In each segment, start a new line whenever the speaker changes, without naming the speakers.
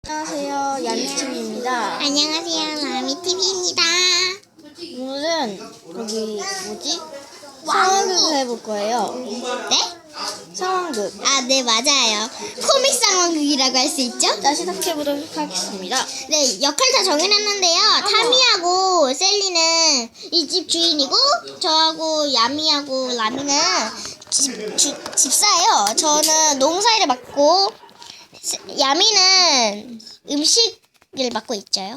안녕하세요, 야미팀입니다.
안녕하세요, 라미TV입니다.
오늘은 상황극을 해볼 거예요.
네?
상황극.
네, 맞아요. 코믹 상황극이라고 할 수 있죠?
자, 시작해보도록 하겠습니다.
네, 역할 다 정해놨는데요. 타미하고 셀리는 이 집 주인이고, 저하고 야미하고 라미는 집사예요. 저는 농사일을 맡고, 야미는 음식을 맡고 있죠?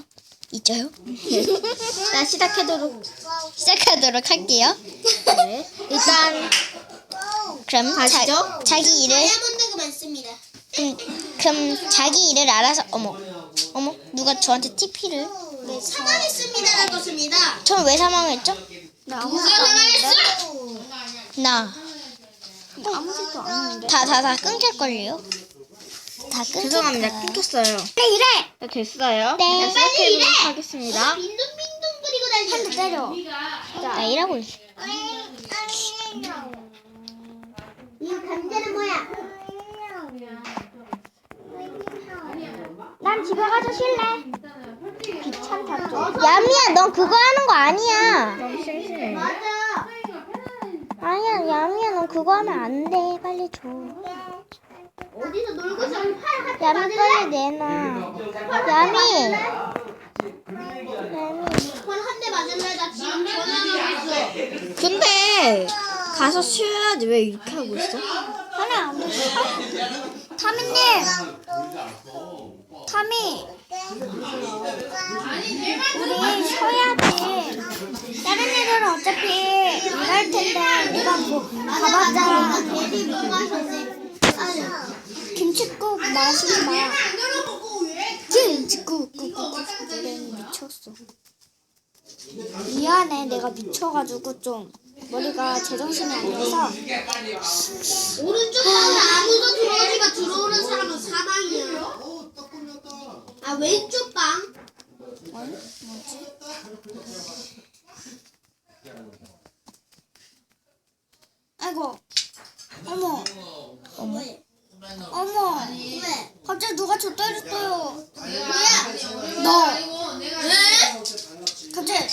자, 시작하도록
할게요.
네. 일단
그럼
가시죠.
자기 일을
다이아몬드가 많습니다.
그럼 자기 일을 알아서 어머 누가 저한테 TP를
사망했습니다. 그렇습니다.
저는 왜 사망했죠?
누가 사망했어?
나
아무 짓도 안 했는데.
다 끊길걸요? 다 끊길
죄송합니다.
거야.
끊겼어요.
그래 이래.
자, 됐어요.
네.
자, 시작해보도록 하겠습니다.
빈둥빈둥 그리고 다니는
때려. 나 일하고 있어.
이 감자는 뭐야?
난 집에 가서 쉴래. 귀찮다 좀. 야미야, 넌 그거 하는 거 아니야.
너무 심심해.
맞아.
아니야, 야미야, 넌 그거 하면 안 돼. 빨리 줘.
어디서 놀고 있어? 팔
야미 빨리 내놔. 야미.
한 대 맞을래? 나 지금 전화하고 있어.
근데 가서 쉬어야지. 왜 이렇게 하고 있어?
하나 안 돼. 타미님. 타미. 우리 쉬어야지. 다른 애들은 어차피 일할 텐데 우리가 뭐 가봤자
애들이 못 마셨네.
김치국 마시지 마. 김치국 미쳤어. 미안해, 내가 미쳐가지고 좀 머리가 제정신이 아니라서.
오른쪽 방에 아무도 들어오지만 들어오는 사람은 사망이야. 왼쪽 방.
아이고, 어머,
왜? 왜?
갑자기 누가 저 때렸어요.
뭐야?
너.
왜?
갑자기.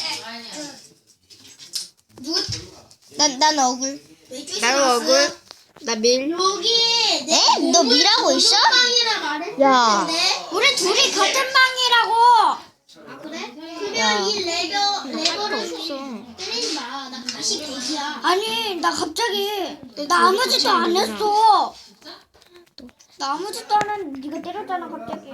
난 억울.
왼쪽
나도 억울. 나 밀.
여기
에? 너 밀하고 있어?
방이라 말했는데.
야.
우리 둘이 같은 방이라고.
아 그래? 그러면 이 레버를
없어.
때리지 마. 나 다시 대기야.
아니, 나 갑자기 나 아무 짓도 안 했어. 나 아무 짓도 안 했는데 네가 때렸잖아 갑자기.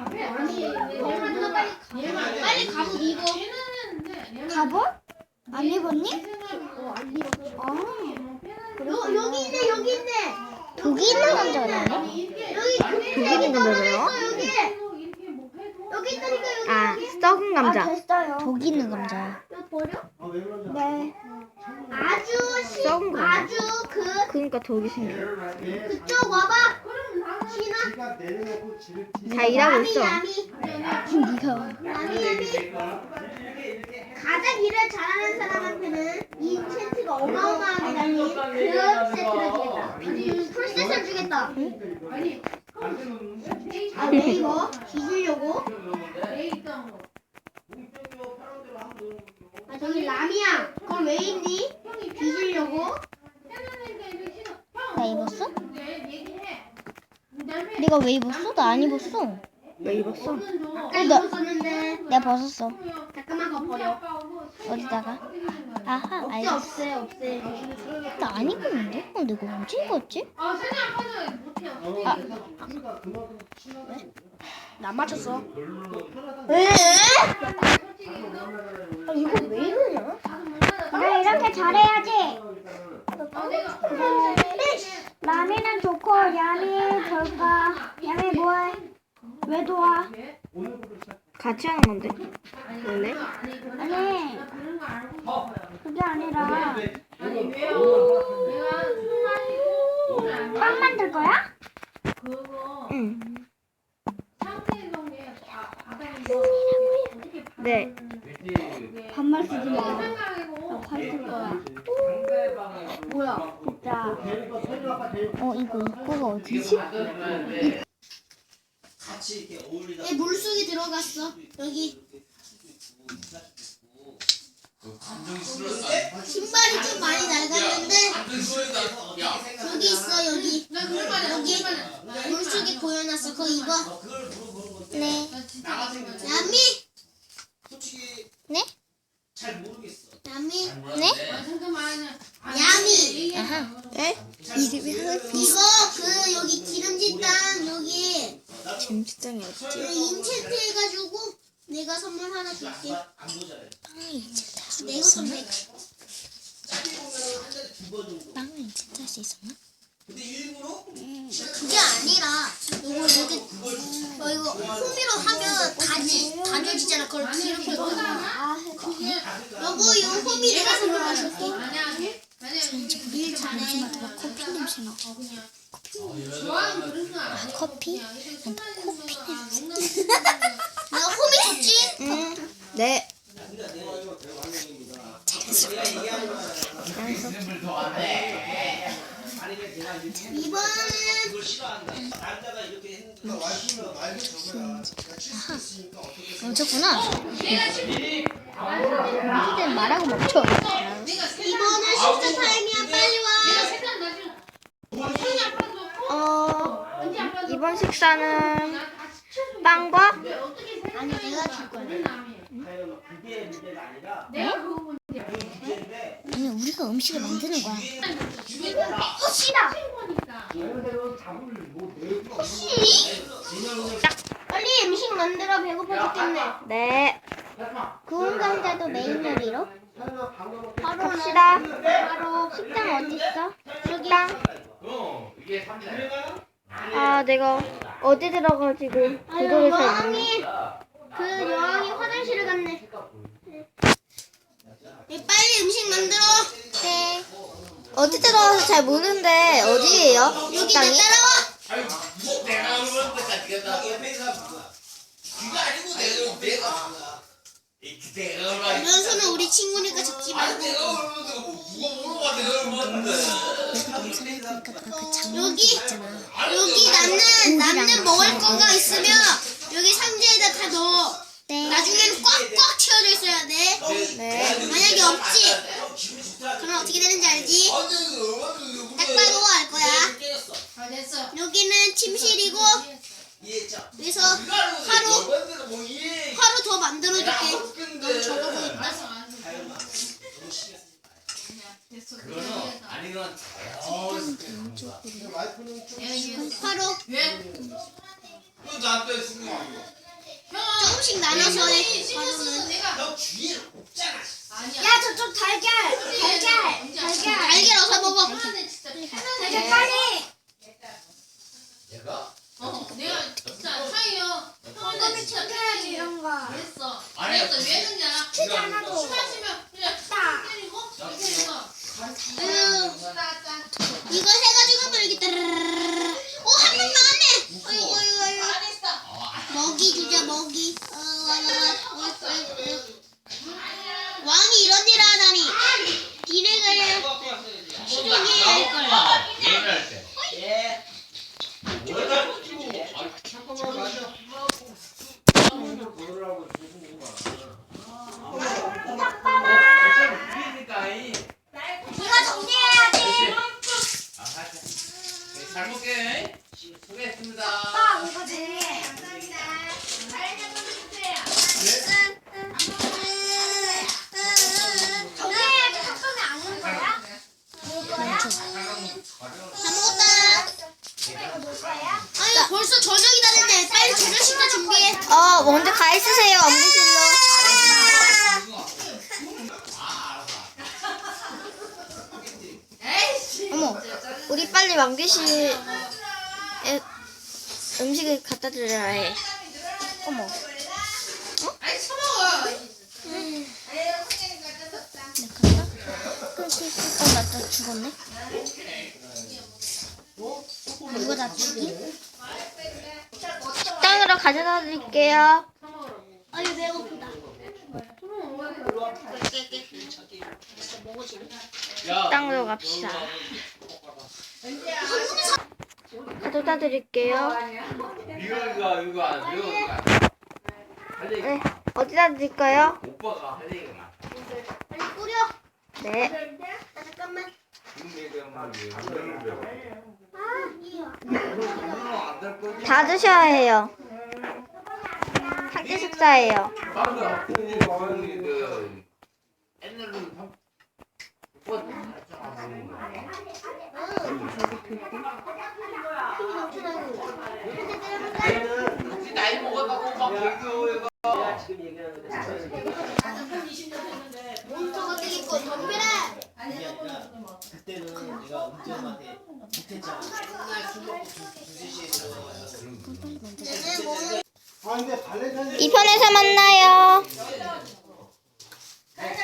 빨리 가복 입어.
갑옷? 안 입었니?
안 입어.
아,
여기 있네 여기 있네.
독이 있는 남자가 나네.
여기
독이 있는 감자래요?
여기. 여기 있다니까 여기.
아, 썩은 감자.
됐어요. 독 있는 감자야.
이거 버려?
네.
썩은 거.
아주
그러니까 독이 생겨.
그쪽 와봐. 신아.
다 일하고 있어.
야미. 가장 일을 잘하는 사람한테는 이 세트가 어마어마하게 달린 그런 세트를 주겠다. 풀세트를 주겠다. 왜 이거? 뒤지려고? 저기 라미야. 그걸 왜 입니? 뒤지려고?
나 입었어? 네가 왜 입었어? 나 안 입었어.
왜 입었어?
아까 입었었는데.
내가 벗었어.
잠깐만 그거 버려.
어디다가? 아하,
없애
알겠어.
없애.
나 안 입었는데? 내가 언제 입었지?
나 맞췄어.
왜?
이거 왜 이러냐? 그래, 이렇게 잘해야지. 라미는 좋고, 야미 별까? 야미 뭐해? 왜 도와?
같이 하는 건데. 원래?
아니, 그게 아니라 빵 만들 거야?
응. 네.
반말 쓰지 마. 나 화낼 거야. 뭐야? 진짜. 이거 입구가 어디지?
얘 물속에 들어갔어. 여기 신발이 좀 많이 낡았는데 여기 있어 여기. 여기 물속에 고여놨어. 그거 입어.
네.
야미.
네?
야미.
네?
야미.
아하.
네? 이름이 하나씩
이거 그 여기 기름진 땅 여기
김치장이 어딨지?
그 인챈트 해가지고 내가 선물 하나 줄게.
빵을 인챈트 할수
내가
있었나?
선물.
빵을 인챈트 할수 있었나?
그게 아니라 이거 이렇게 이거 호미로 하면 다져지잖아. 그걸 이렇게 여보 이 호미 내가 선물해줄게. 일 잘해.
커피 냄새 나. 커피? 커피 냄새.
내가 호미 줬지?
응. 네.
이번에는
멈췄구나. 이제 말하고 멈춰.
이번은 식사 타임이야. 빨리 와.
이번 식사는 빵과
아니 내가 줄 거야.
아니 우리가 음식을 만드는 거야.
허시다. 허시. 빨리 음식 만들어. 배고파 죽겠네.
네.
구운 감자도 메인 요리로.
갑시다.
바로
식당 어디 있어?
식당. 아, 내가 어디 들어가지고 구독을 잘
여왕이 그 여왕이 화장실을 갔네. 빨리 음식 만들어.
네.
어디 들어가서 잘 모르는데 어디예요?
여기
식당이?
내 따라와.
내가 그러면 내가 귀가 아니고 내가
면서는 우리 친구니까 적지 말고.
내가 그러면 누가 물어봐 내가 그러는데
여기 남는 먹을 거가 있으면 여기 상자에다 다 넣어.
네.
나중에는 꽉꽉 채워져 있어야 돼.
네.
만약에 없지, 그러면 어떻게 되는지 알지? 딱 봐도 알 거야. 여기는 침실이고 그래서 하루 더 만들어줄게. 넌 저러고 있다. 하루 조금씩 나눠서 해. 하루는. 야 저쪽 달걀 달걀 어서 먹어. 달걀 빨리.
내가 진짜 차이요.
껌이 챙겨야지 이런 거.
그랬어. 왜 그러냐?
치즈 하나 더.
술 마시면 그냥
딱.
때리고 이렇게 해서.
이거 해가지고 한번 이렇게 따르르르르. 한 번 나왔네. 어이구. 먹이 주자 먹이. 왕이 이런 일을 하다니. 니네가 시중에 할걸. 네가 정리해야지.
잘 먹게 수고했습니다.
이거 정리해. 정리해야지. 닭똥이 안 올 거야? 다 먹었다. 아니 벌써 저녁이 다는데 빨리 저녁 식사 준비해.
먼저 가 있으세요, 업무실로. 어머, 우리 빨리 왕비실에 음식을 갖다 드려야 해. 어머.
아이 처먹어.
나또 죽었네. 누가 나 죽이?
식당으로 가져다 드릴게요.
아유 배고프다.
식당으로 갑시다. 가져다 드릴게요.
이거
네, 어디다 드릴까요?
오빠가 할 얘기가
빨리 뿌려.
네.
아, 잠깐만.
다 드셔야 해요. 한 끼 식사예요.
나이 먹었다고 막 얘기해요.
몬스터가 되겠고 덤벼라.
그때는 내가 은지엄한테 못했잖아. 맨날 술 먹고 2시에 들어가요.
얘네 몬
아 근데 발레단이
2편에서 만나요.